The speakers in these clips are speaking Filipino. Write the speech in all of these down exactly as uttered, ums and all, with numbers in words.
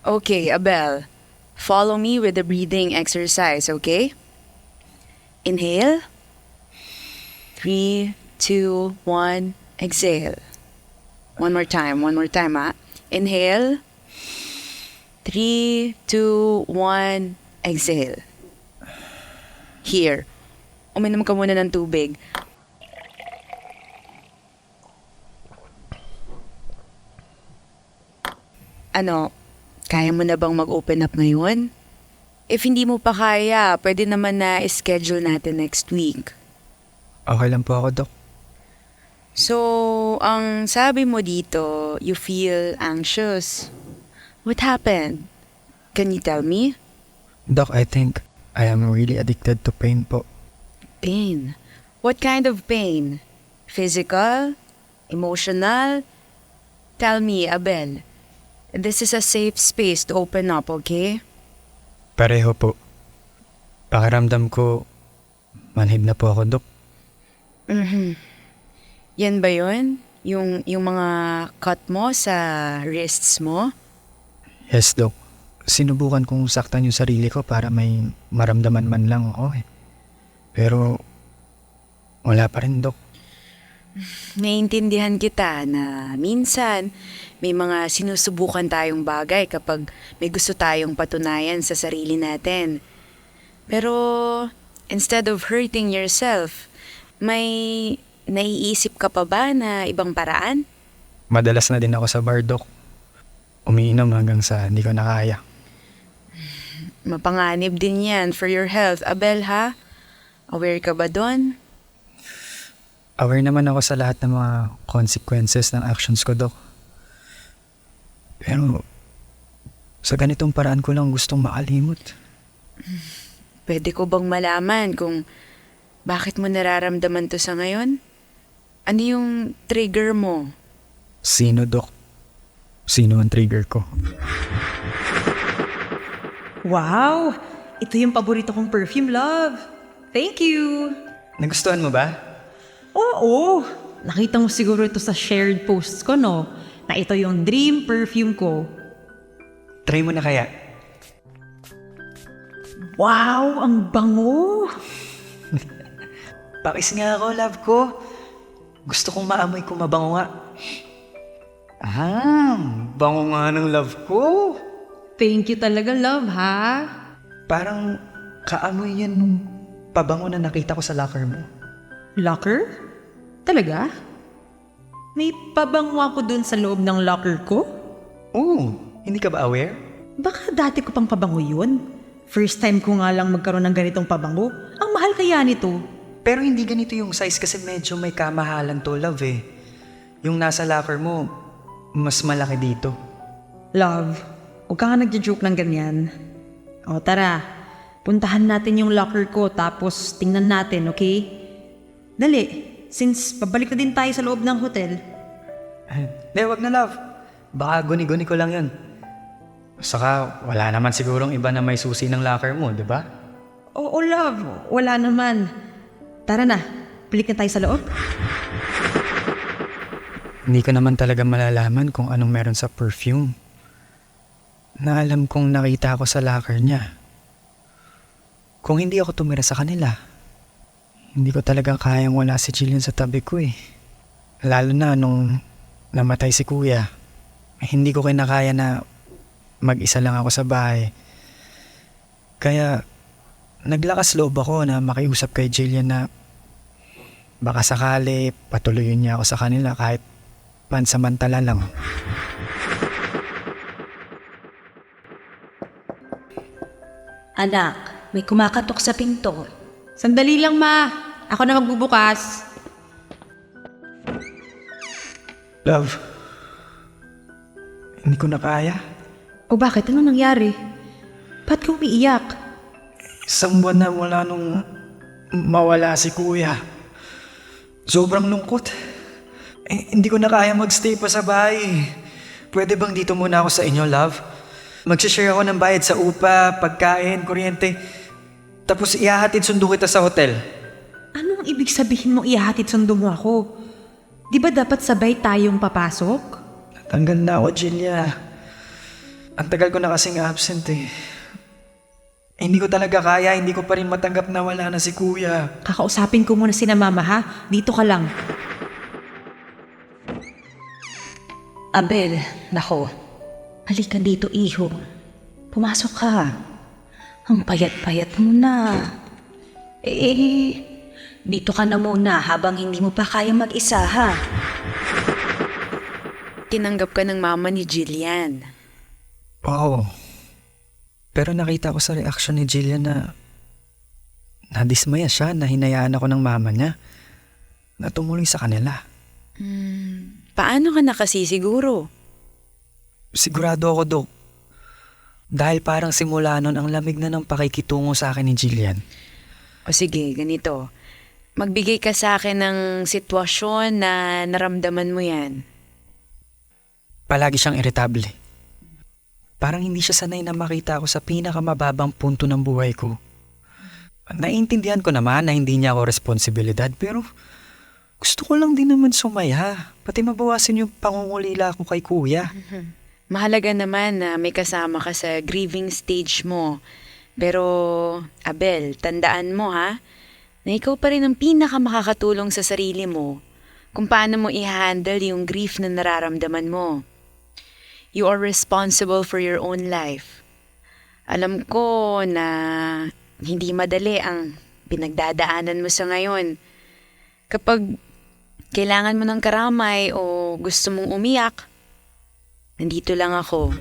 Okay, Abel. Follow me with the breathing exercise, okay? Inhale. Three, two, one, exhale. One more time, one more time, ah. Inhale. Three, two, one, exhale. Here. Uminom ka muna ng tubig. Ano, kaya mo na bang mag-open up ngayon? If hindi mo pa kaya, pwede naman na schedule natin next week. Okay lang po ako, Dok. So, ang sabi mo dito, you feel anxious. What happened? Can you tell me? Doc, I think I am really addicted to pain po. Pain. What kind of pain? Physical? Emotional? Tell me, Abel. This is a safe space to open up, okay? Pareho po. Pakiramdam ko, manhid na po ako, Dok. Mhm. Yan ba yun? Yung, yung mga cut mo sa wrists mo? Yes, Dok. Sinubukan kong saktan yung sarili ko para may maramdaman man lang ako eh. Pero, wala pa rin, Dok. Naiintindihan kita na minsan may mga sinusubukan tayong bagay kapag may gusto tayong patunayan sa sarili natin. Pero instead of hurting yourself, may naiisip ka pa ba na ibang paraan? Madalas na din ako sa bar, Dok. Umiinom hanggang sa hindi ko na kaya. Mapanganib din yan for your health, Abel, ha? Aware ka ba doon? Aware naman ako sa lahat ng mga consequences ng actions ko, Dok. Pero, sa ganitong paraan ko lang gustong makalimot. Pwede ko bang malaman kung bakit mo nararamdaman to sa ngayon? Ano yung trigger mo? Sino, Dok? Sino ang trigger ko? Wow! Ito yung paborito kong perfume, love. Thank you! Nagustuhan mo ba? Oo! Nakita mo siguro ito sa shared posts ko, no? Na ito yung dream perfume ko. Try mo na kaya. Wow! Ang bango! Pakis nga ako, love ko. Gusto kong maamoy kung mabango nga. Ah, bango nga ng love ko. Thank you talaga, love, ha? Parang kaamoy yan nung pabango na nakita ko sa locker mo. Locker? Talaga? May pabango ako dun sa loob ng locker ko? Oo, hindi ka ba aware? Baka dati ko pang pabango yun. First time ko nga lang magkaroon ng ganitong pabango. Ang mahal kaya nito. Pero hindi ganito yung size kasi medyo may kamahalan to, love eh. Yung nasa locker mo, mas malaki dito. Love, huwag ka nga nagja-joke ng ganyan. O tara, puntahan natin yung locker ko tapos tingnan natin, okay? Dali, since pabalik na din tayo sa loob ng hotel. Hindi, wag na, love. Baka guni-guni ko lang yun. Saka wala naman sigurong iba na may susi ng locker mo, di ba? Oo, love, wala naman. Tara na, balik na tayo sa loob. Hindi ko naman talaga malalaman kung anong meron sa perfume. Na alam kong nakita ako sa locker niya. Kung hindi ako tumira sa kanila, hindi ko talaga kayang wala si Jillian sa tabi ko eh. Lalo na nung namatay si kuya. Hindi ko kinakaya na mag-isa lang ako sa bahay. Kaya naglakas loob ako na makiusap kay Jillian na baka sakali patuloyin niya ako sa kanila kahit pansamantala lang. Anak, may kumakatok sa pinto. Sandali lang, ma. Ako na magbubukas. Love, hindi ko na kaya. O bakit? Ano nangyari? Ba't ka umiiyak? Isang buwan na mula nung mawala si kuya. Sobrang lungkot. Eh, hindi ko na kaya magstay pa sa bahay. Pwede bang dito muna ako sa inyo, love? Magsishare ako ng bayad sa upa, pagkain, kuryente. Tapos ihahatid sundo kita sa hotel. Anong ibig sabihin mo ihahatid sundo mo ako? Di ba dapat sabay tayong papasok? Natanggal na ako, Jilia. Ang tagal ko na kasing absent eh. Eh, Hindi ko talaga kaya, hindi ko pa rin matanggap na wala na si kuya. Kakausapin ko muna si na mama ha. Dito ka lang. Abel, nako. Halika dito, iho. Pumasok ka. Ang payat-payat mo na. Eh, dito ka na muna habang hindi mo pa kaya mag-isa, ha? Tinanggap ka ng mama ni Jillian. Oo. Pero nakita ko sa reaction ni Jillian na nadismaya siya na hinayaan ako ng mama niya na tumuloy sa kanila. Paano ka nakasisiguro? Sigurado ako, Dok. Dahil parang simula nun ang lamig na ng pakikitungo sa akin ni Jillian. O sige, ganito. Magbigay ka sa akin ng sitwasyon na naramdaman mo yan. Palagi siyang iritable. Parang hindi siya sanay na makita ako sa pinakamababang punto ng buhay ko. Naiintindihan ko naman na hindi niya ako responsibilidad pero gusto ko lang din naman sumaya. Pati mabawasan yung pangungulila ko kay kuya. Mahalaga naman na may kasama ka sa grieving stage mo. Pero, Abel, tandaan mo ha, na ikaw pa rin ang pinakamakakatulong sa sarili mo kung paano mo i-handle yung grief na nararamdaman mo. You are responsible for your own life. Alam ko na hindi madali ang pinagdadaanan mo sa ngayon. Kapag kailangan mo ng karamay o gusto mong umiyak, nandito lang ako.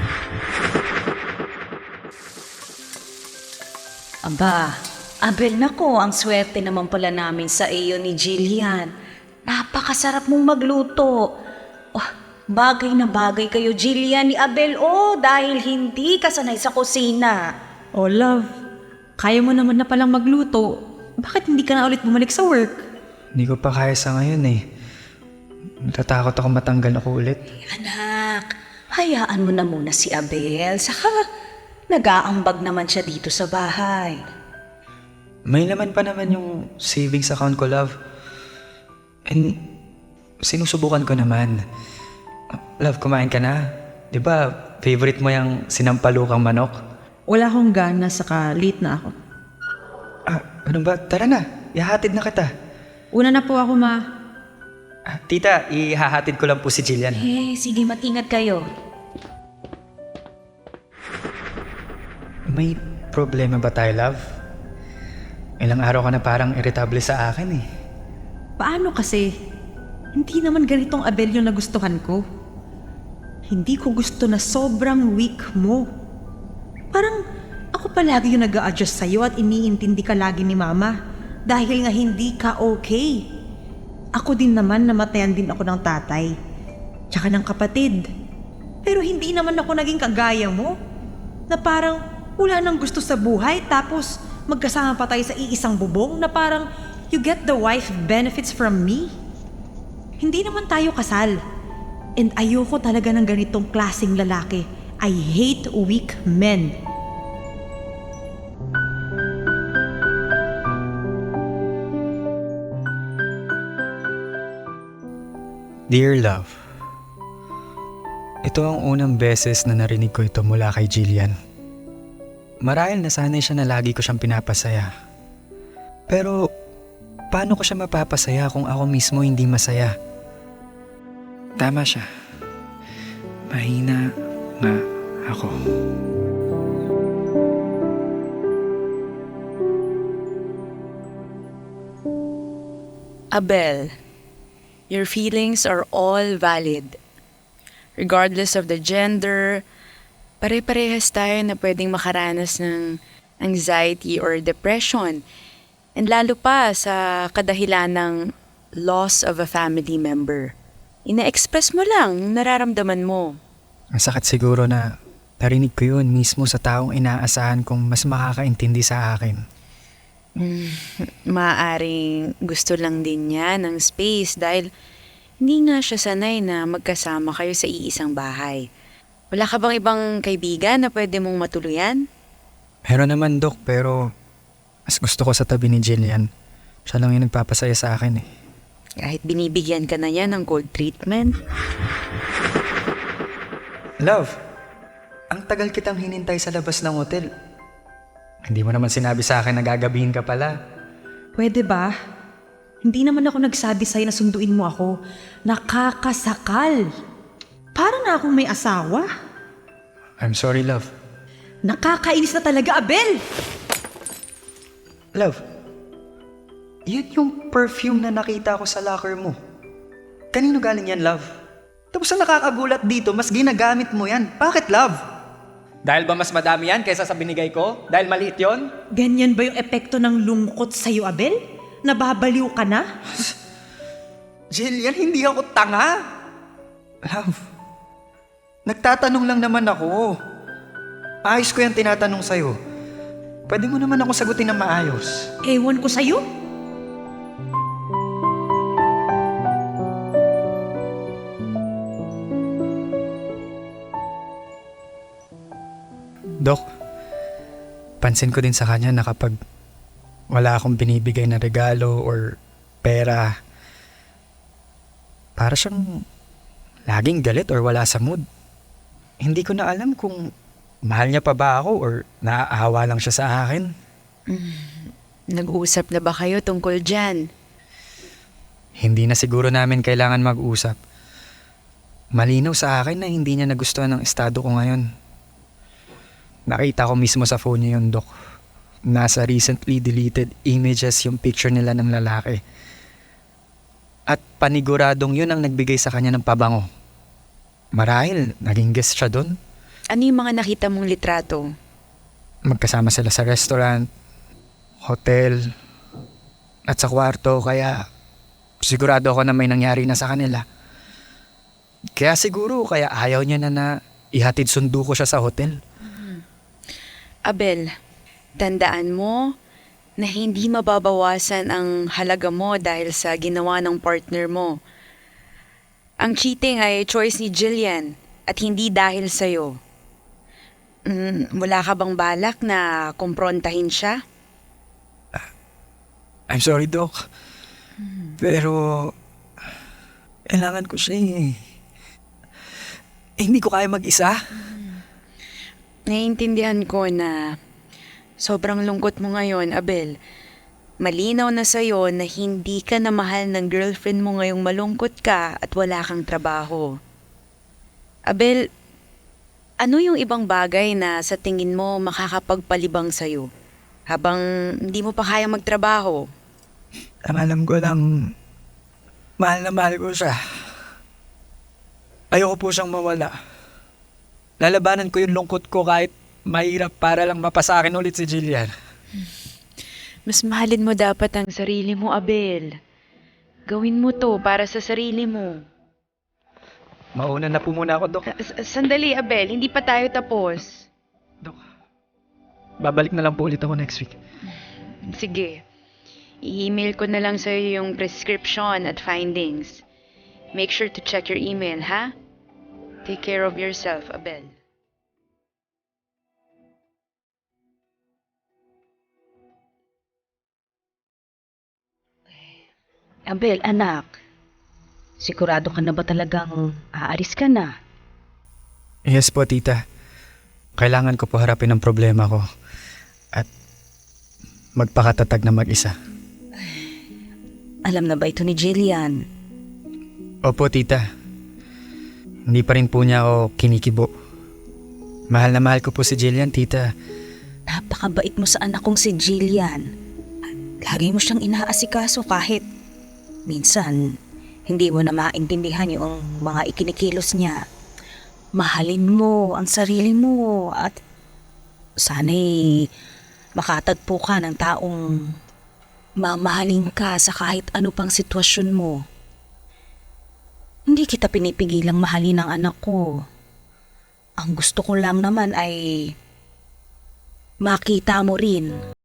Aba, Abel, nako, ang swerte naman pala namin sa iyo ni Jillian. Napakasarap mong magluto. Oh, bagay na bagay kayo, Jillian, ni Abel. Oh, dahil hindi ka sanay sa kusina. Oh love, kaya mo naman na palang magluto. Bakit hindi ka na ulit bumalik sa work? Hindi ko pa kaya sa ngayon eh. Natatakot ako matanggal ako ulit. Anak, hayaan mo na muna si Abel. Saka, nag-aambag naman siya dito sa bahay. May laman pa naman yung savings account ko, love. And sinusubukan ko naman. Love, kumain ka na? Di ba favorite mo yung sinampalukang manok? Wala akong gana, saka late na ako. Ah, ano ba? Tara na, ihahatid na kita. Una na po ako, ma. Ah, tita, ihahatid ko lang po si Jillian. Eh, sige, mag-ingat kayo. May problema ba tayo, love? Ilang araw ka na parang irritable sa akin eh. Paano kasi? Hindi naman ganitong Abel yung nagustuhan ko. Hindi ko gusto na sobrang weak mo. Parang ako palagi yung nag-a-adjust sa'yo at iniintindi ka lagi ni mama dahil nga hindi ka okay. Ako din naman, namatayan din ako ng tatay. Tsaka ng kapatid. Pero hindi naman ako naging kagaya mo. Na parang wala nang gusto sa buhay tapos magkasama pa tayo sa iisang bubong na parang you get the wife benefits from me. Hindi naman tayo kasal. And ayoko talaga ng ganitong klaseng lalaki. I hate weak men. Dear love, ito ang unang beses na narinig ko ito mula kay Jillian. Marahil nasanay siya na lagi ko siyang pinapasaya. Pero paano ko siya mapapasaya kung ako mismo hindi masaya? Tama siya. Mahina nga ako. Abel, your feelings are all valid. Regardless of the gender, pare-parehas tayo na pwedeng makaranas ng anxiety or depression. And lalo pa sa kadahilan ng loss of a family member. Ina-express mo lang yung nararamdaman mo. Ang sakit siguro na narinig ko yun mismo sa taong inaasahan kong mas makakaintindi sa akin. Maaaring gusto lang din niya ng space dahil hindi nga siya sanay na magkasama kayo sa iisang bahay. Wala ka bang ibang kaibigan na pwede mong matuluyan? Meron naman, Dok, pero mas gusto ko sa tabi ni Jillian. Siya lang yung nagpapasaya sa akin eh. Kahit binibigyan ka na niya ng cold treatment? Love, Ang tagal kitang hinintay sa labas ng hotel. Hindi mo naman sinabi sa akin na gagabihin ka pala. Pwede ba? Hindi naman ako nagsabi sa'yo na sunduin mo ako. Nakakasakal. Para na akong may asawa. I'm sorry, love. Nakakainis na talaga, Abel! Love, yun yung perfume na nakita ko sa locker mo. Kanino galing yan, love? Tapos ang nakakagulat dito, mas ginagamit mo yan. Bakit, love? Dahil ba mas madami yan kaysa sa binigay ko? Dahil maliit yon? Ganyan ba yung epekto ng lungkot sa'yo, Abel? Nababaliw ka na? Jillian, hindi ako tanga. Love, nagtatanong lang naman ako. Ayos ko yung tinatanong sa'yo. Pwede mo naman ako sagutin ng maayos. Ewan ko sa'yo. Dok, pansin ko din sa kanya na kapag wala akong binibigay na regalo or pera, para siyang laging galit or wala sa mood. Hindi ko na alam kung mahal niya pa ba ako or naaawa lang siya sa akin. Nag-uusap na ba kayo tungkol dyan? Hindi na siguro namin kailangan mag-usap. Malinaw sa akin na hindi niya nagustuhan ang estado ko ngayon. Nakita ko mismo sa phone niya yun, Dok. Nasa recently deleted images yung picture nila ng lalaki. At paniguradong yun ang nagbigay sa kanya ng pabango. Marahil, naging guest siya doon. Ano yung mga nakita mong litrato? Magkasama sila sa restaurant, hotel, at sa kwarto, kaya sigurado ako na may nangyari na sa kanila. Kaya siguro, kaya ayaw niya na na ihatid sundo ko siya sa hotel. Abel, tandaan mo na hindi mababawasan ang halaga mo dahil sa ginawa ng partner mo. Ang cheating ay choice ni Jillian at hindi dahil sa'yo. Mm, wala ka bang balak na kumprontahin siya? I'm sorry, Doc. Pero, kailangan ko siya eh. Eh, hindi ko kaya mag-isa. Naiintindihan ko na sobrang lungkot mo ngayon, Abel. Malinaw na sa'yo na hindi ka na mahal ng girlfriend mo ngayong malungkot ka at wala kang trabaho. Abel, ano yung ibang bagay na sa tingin mo makakapagpalibang sa'yo habang hindi mo pa kaya magtrabaho? Ang alam ko lang, mahal na mahal ko siya. Ayoko po siyang mawala. Lalabanan ko yung lungkot ko kahit mahirap para lang mapasakin ulit si Jillian. Mas mahalin mo dapat ang sarili mo, Abel. Gawin mo to para sa sarili mo. Mauna na po muna ako, Dok. S- Sandali, Abel. Hindi pa tayo tapos. Dok, babalik na lang po ulit ako next week. Sige. I-email ko na lang sa'yo yung prescription at findings. Make sure to check your email, ha? Take care of yourself, Abel. Abel, anak, sigurado ka na ba talagang aalis ka na? Yes po, tita. Kailangan ko po harapin ang problema ko. At magpakatatag na mag-isa. Alam na ba ito ni Jillian? Opo, tita. Hindi pa rin po niya ako kinikibo. Mahal na mahal ko po si Jillian, tita. Napakabait mo sa anak kong si Jillian. Lagi mo siyang inaasikaso kahit minsan hindi mo na maintindihan yung mga ikinikilos niya. Mahalin mo ang sarili mo at sana'y makatagpo ka ng taong mamahalin ka sa kahit ano pang sitwasyon mo. Hindi kita pinipigilang mahalin ang anak ko. Ang gusto ko lang naman ay makita mo rin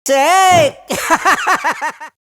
Check!